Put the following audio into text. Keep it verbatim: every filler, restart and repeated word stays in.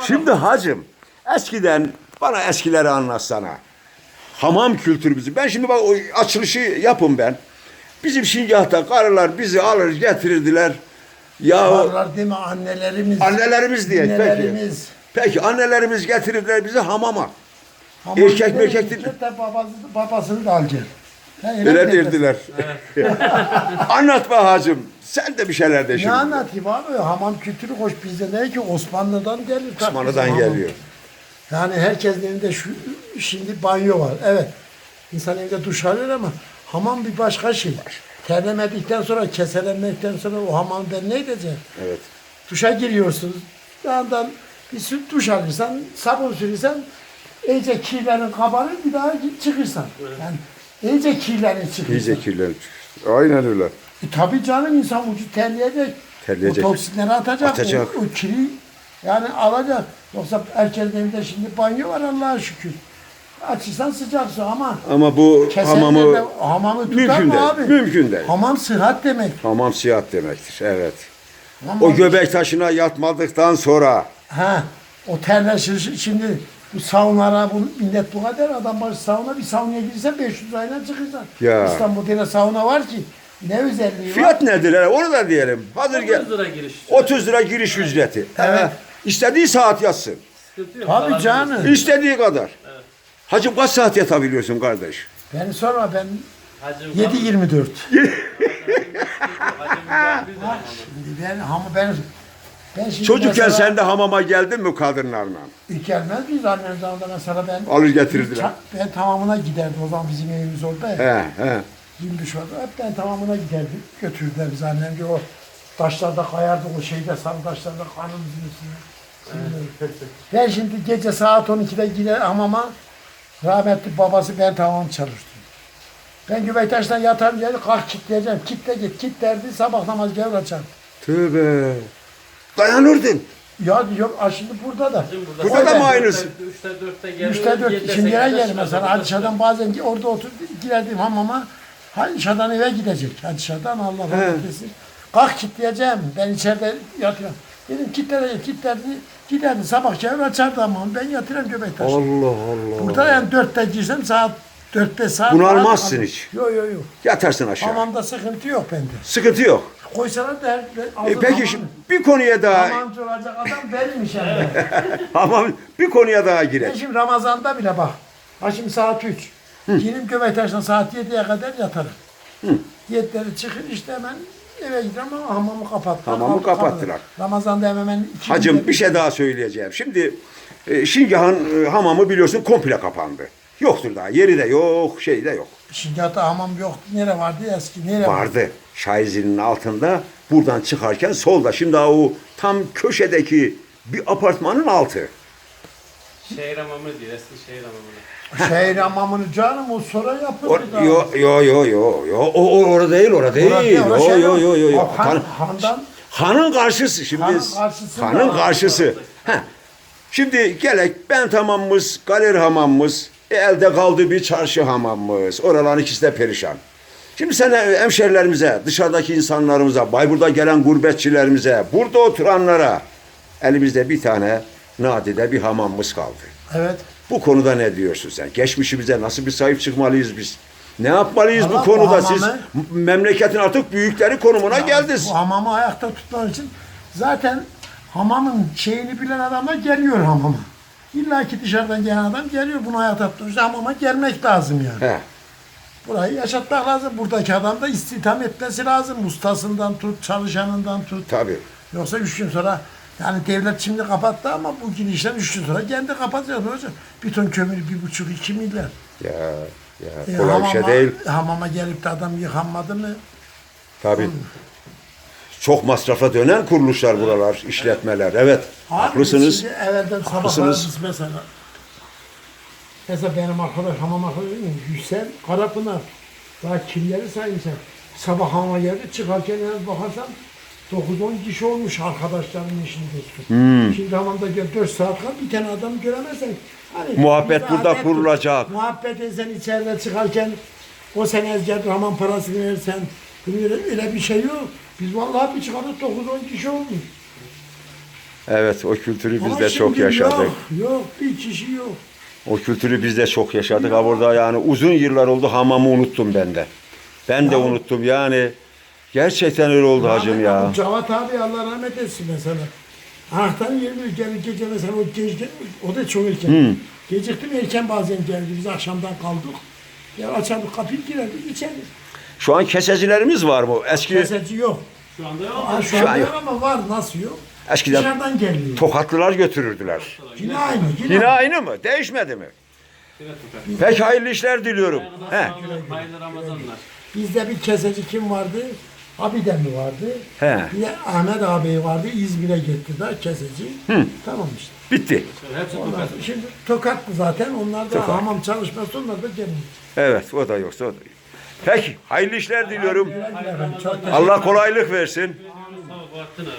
Şimdi hacım, eskiden bana eskileri anlatsana. Hamam kültürümüzü. Ben şimdi bak o açılışı yapın ben. Bizim Şingah'ta karılar bizi alır getirirdiler. Ya Varlar değil mi annelerimiz? annelerimiz diye. Peki. Annelerimiz. Peki annelerimiz getirirdiler bizi hamama. Hamam Erkek bir de merkek değil. de babası, babasını da alacak. Ha, Öyle derler. derdiler. Anlatma hacım. Sen de bir şeyler de Ne şimdi. anlatayım abi? Hamam kültürü hoş bizde ne ki Osmanlı'dan geliyor. tabii Osmanlı'dan bizim hamam. geliyor. Yani herkesin evinde şu şimdi banyo var. Evet. İnsan evde duş alıyor ama hamam bir başka şey. Terlemedikten sonra, keselenmekten sonra o hamamdan ne edecek? Evet. Duşa giriyorsunuz. Yandan bir süt duş alırsan, sabun sürürsen iyice kirlerin kabarır bir daha çıkırsan. Yani iyice kirlerin çıkırsan. İyice kirlenir. Aynen öyle. E, tabii canım insan vücut terleyecek. Terleyecek. O toksinleri atacak. Atacak. O, o kiri yani alacak. Yoksa herkesin evinde şimdi banyo var Allah'a şükür. Açırsan sıcak su ama Ama bu kesenlerde hamamı hamamı tutar mümkün mı değil. abi? Mümkün değil. Hamam sıhhat demek. Hamam siyahat demektir. Evet. Hamam- O göbek taşına yatmadıktan sonra Ha, o terler şimdi bu saunalara bu millet bu kadar adam başı sauna bir saunaya girsen beş yüz lirayla çıkırsan. Ya. İstanbul'da yine sauna var ki ne özelliği var? fiyat nedir? hele? Onu da diyelim. Hazır gel. otuz lira giriş. otuz lira giriş ücreti. Evet. Ee, istediği saat yatsın. Sıkıntı yok. Tabii Zararlı canım. İstediği kadar. Hacım kaç saat yatabiliyorsun kardeş? Beni sorma ben Hacım yedi yirmi dört. Hacım var bir de. Şimdi ben ama ben ben şimdi Çocukken mesela- sen de hamama geldin mi kadınlarla? İlk gelmez miyiz annem zamanında mesela ben Alır getirirdiler. Ça- ben tamamına giderdim o zaman bizim evimiz orada ya. He he. Gümüş vardı. Hep ben tamamına giderdim. Götürdüler bizi annem diyor o taşlarda kayardı o şeyde sarı taşlarda kanımızın üstüne. Şimdi- Ben şimdi gece saat on ikide gider hamama rahmetli babası ben tamam çalıştım. Ben Güveytaş'tan yatarım yeri kalk kitleyeceğim. Kitle git kit derdi sabah namaz gelir açar. Tövbe. Dayanırdın. Ya diyor "Aa, şimdi burada da. Hacım Burada da mı aynısı? Üçte dörtte geliyor. Üçte dört, yedide, şimdi yere sekizde gelir çıkar. mesela Hadişa'dan bazen orada otur girerdim hamama. Hadişa'dan eve gidecek. Hadişa'dan Allah rahmet eylesin. Kalk kitleyeceğim. Ben içeride yatıyorum. Dedim kitlere kitlerdi. Giderdi sabah gelir açardı hamamı. Ben yatıyorum Göbektaş'ta. Allah Allah. Burada yani dörtte girsem saat dört beş saat. Bunalmazsın rahat- hiç. Yok yok yok. Yatarsın aşağı. Hamamda sıkıntı yok bende. Sıkıntı yok. Koysalar da her, E, peki şimdi bir konuya daha Hamamcı olacak adam benimmiş yani. hamam bir konuya daha Ben girelim. şimdi Ramazan'da bile bak. Ha şimdi saat üç. Girim Göbektaş'tan saat yediye kadar yatarım. Yedileri çıkır işte hemen eve giderim ama hamamı kapattılar. Hamamı Kalk- kapattılar. kalk. Ramazan'da hemen hemen iki Hacım günde bir şey daha söyleyeceğim. Şimdi e, Şingah'ın e, hamamı biliyorsun komple kapandı. Yoktur daha. Yeri de yok, şey de yok. Şimdi hatta hamam yok. Nere vardı eski? Nere vardı? Vardı. Şaizinin altında buradan çıkarken solda. Şimdi daha o tam köşedeki bir apartmanın altı. Şehir hamamı diyor. Eski şehir hamamını. Şehir hamamını canım o sonra yapıldı O, daha. yo yo yo yo yo o, o orada değil orada değil. Orada değil, orada Yo şey yo yok. yo yo yo. O han- Han- handan- hanın karşısı şimdi. Hanın karşısında. Hanın karşısı. Heh. Şimdi gelek ben hamamımız, galeri hamamımız, e, elde kaldı bir çarşı hamamımız. Oraların ikisi de perişan. Şimdi sen hemşerilerimize, dışarıdaki insanlarımıza, Bayburt'a gelen gurbetçilerimize, burada oturanlara elimizde bir tane nadide bir hamamımız kaldı. Evet. Bu konuda ne diyorsun sen? Geçmişimize nasıl bir sahip çıkmalıyız biz? Ne yapmalıyız Valla bu bu konuda? hamamı- Siz memleketin artık büyükleri konumuna geldiniz. Bu hamamı ayakta tutmak için zaten hamamın şeyini bilen adamlar geliyor hamama. İlla ki dışarıdan gelen adam geliyor bunu ayakta tutmak için hamama gelmek lazım yani. He. Burayı yaşatmak lazım. Buradaki adam da istihdam etmesi lazım. Ustasından tut, çalışanından tut. Tabii. Yoksa üç gün sonra yani devlet şimdi kapattı ama bu girişten üç gün sonra kendi kapatacak hocam. Bir ton kömür bir buçuk iki milyar. Ya, ya E, kolay bir şey hamama- değil. Hamama gelip de adam yıkanmadı mı? Tabii. Çok masrafa dönen kuruluşlar buralar, işletmeler. Evet, Abi haklısınız. Şimdi evvelden sabahlar Haklısınız. biz mesela mesela benim arkadaş hamam arkadaşım Yüksel Karapınar daha kimleri sayayım sen. Sabah hamama geldi çıkarken yalnız bakarsan dokuz on kişi olmuş arkadaşlarımın işini dostum. Hmm. Şimdi hamamda gel dört saat kal bir tane adam göremezsen. Hani Muhabbet bir burada adet dur. kurulacak. Muhabbet etsen içeride çıkarken o sene ezger hamam parasını verirsen öyle, öyle bir şey yok. Biz vallahi bir çıkardık dokuz on kişi olmuş. Evet, o kültürü biz Ama de çok şimdi yaşadık. Yok, yok, bir kişi yok. O kültürü biz de çok yaşadık. Ha burada yani uzun yıllar oldu hamamı unuttum ben de. Ben de Ya. unuttum yani. Gerçekten öyle oldu hacım ya. Rahmetli Cavat abi Allah rahmet etsin mesela. Anahtarı yirmi geldi gece mesela o gece o da çok erken. Hı. Geciktim erken bazen geldi. Biz akşamdan kaldık. Ya açardık kapıyı girerdik içeri. Şu an kesecilerimiz var mı? Eski Keseci yok. Şu anda yok. Aa, şu, Şu anda an yok yok. ama var nasıl yok? Eskiden Dışarıdan geliyor. Tokatlılar götürürdüler. Yine aynı. Yine, Yine aynı. aynı mı? Değişmedi mi? Evet, Tukan. Pek hayırlı işler diliyorum. He. Hayırlı, hayırlı Ramazanlar. Bizde bir keseci kim vardı? Abiden mi vardı? He. Bir de Ahmet abi vardı. İzmir'e gitti da keseci. Tamam işte. Bitti. Hepsi Ondan Tukan. sonra şimdi Tokatlı zaten. Onlar da Tokat. hamam çalışması onlar da gelmiyor. Evet, o da yoksa o da yok. Peki, hayırlı işler diliyorum. Güle güle efendim, çok teşekkür Allah kolaylık versin. Sağ ol Bahattin abi.